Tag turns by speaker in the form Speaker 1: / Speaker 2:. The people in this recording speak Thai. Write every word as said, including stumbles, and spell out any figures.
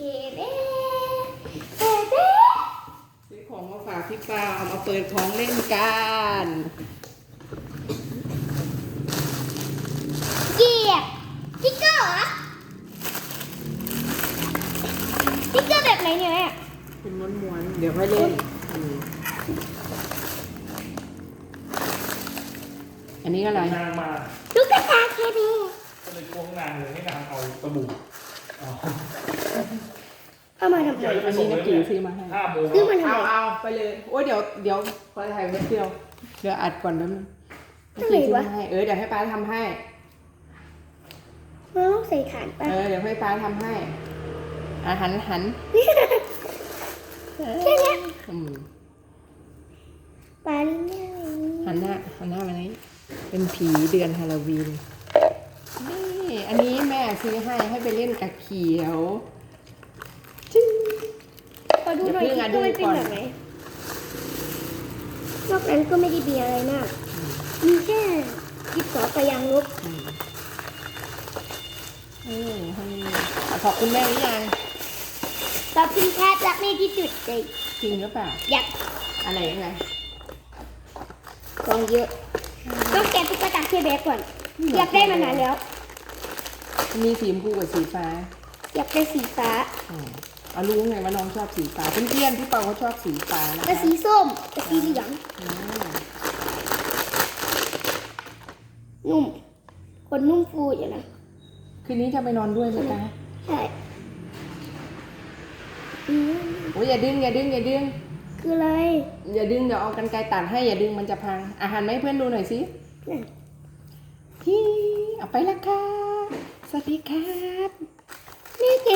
Speaker 1: เบ้เคเบ้
Speaker 2: ซื้อของมาฝากพี่ปาเอามาเปิดของเล่นกัน
Speaker 1: เกียบติ๊กเกอร์เหรอติ๊กเกอร์แบบไหนเนี่ยแม่
Speaker 2: เป็นม้วนๆเดี๋ยวค่อยเล่นอืมอันนี้อะไร
Speaker 3: นางมา
Speaker 1: ลูกกระตาเคเบ้
Speaker 3: ก็เลยกวงนางเลยให้นางเอาสบู่เอา
Speaker 1: เอามาทำไม
Speaker 2: อันนี้นักกีซื้อมาให้
Speaker 3: ห้าโมง
Speaker 1: ซื้อมาทำ
Speaker 2: เอา
Speaker 1: ไม
Speaker 2: เอาไปเลยโอ้ยเดี๋ยวเดี๋ยวพอถ่ายเว็บเดียวเดี๋ยวอัดก่อนแป๊บนึงนักกีซื้อมาให้เออเดี๋ยวให้ป้าทำให้
Speaker 1: เราต้องใส่ฐานป่ะ
Speaker 2: เออเดี๋ยวให้ป้าทำให้อ่ะหันหัน
Speaker 1: แค่เนี้ย
Speaker 2: อืม
Speaker 1: ปลาลิ้นเนี่ย
Speaker 2: หันหน้าหันหน้ามานี้เป็นผีเดือนฮาโลวีนนี่อันนี้แม่ซื้อให้ให้ไปเล่นกับเขียวจึ๊ง
Speaker 1: ขอดูหน่อย
Speaker 2: เดี๋
Speaker 1: ติ๊
Speaker 2: ยว
Speaker 1: ก
Speaker 2: เพิ่
Speaker 1: เกอง ร์
Speaker 2: อ่ะ
Speaker 1: มันเป็น
Speaker 2: ดูก่อน
Speaker 1: แบบไหนนอกนั้นก็ไม่ได้เบียร์อะไรมากมีแค่ดิบสอไปยางลบ
Speaker 2: อืมเออให้ขอบคุณแม่หรือยัง
Speaker 1: ขอบคุณครับรักแม่ที่สุดเลย
Speaker 2: จริงหรือเปล่า
Speaker 1: อยาก
Speaker 2: อะไรยังไง
Speaker 1: กองเยอะต้องแกะตุ๊กตาเคเบ้ก่อน อยากได้มานานแล้ว
Speaker 2: มีสีชมพูกับสีฟ้า
Speaker 1: อยากได้สีฟ้า
Speaker 2: อืมเอารู้ไงว่าน้องชอบสีฟ้าเพื่อนๆพี่เปาเขาชอบสีฟ้านะ
Speaker 1: กับ
Speaker 2: คะ
Speaker 1: สีส้มกับสีเหลือง
Speaker 2: อืม
Speaker 1: นุ่มคนนุ่มฟูอยู่นะ
Speaker 2: คืนนี้จะไปนอนด้วยไหมคะ
Speaker 1: ใช่อืม
Speaker 2: โอ้ยอย่าดึงอย่าดึงอย่าดึง
Speaker 1: คืออะไร
Speaker 2: อย่าดึงเดี๋ยวเอากันไกรตัดให้อย่าดึงมันจะพังอาหารไหมาให้เพื่อนดูหน่อยสิ
Speaker 1: นั่น
Speaker 2: ฮีเอาไปแล้วค่ะสวัสดีครับ
Speaker 1: นี่เก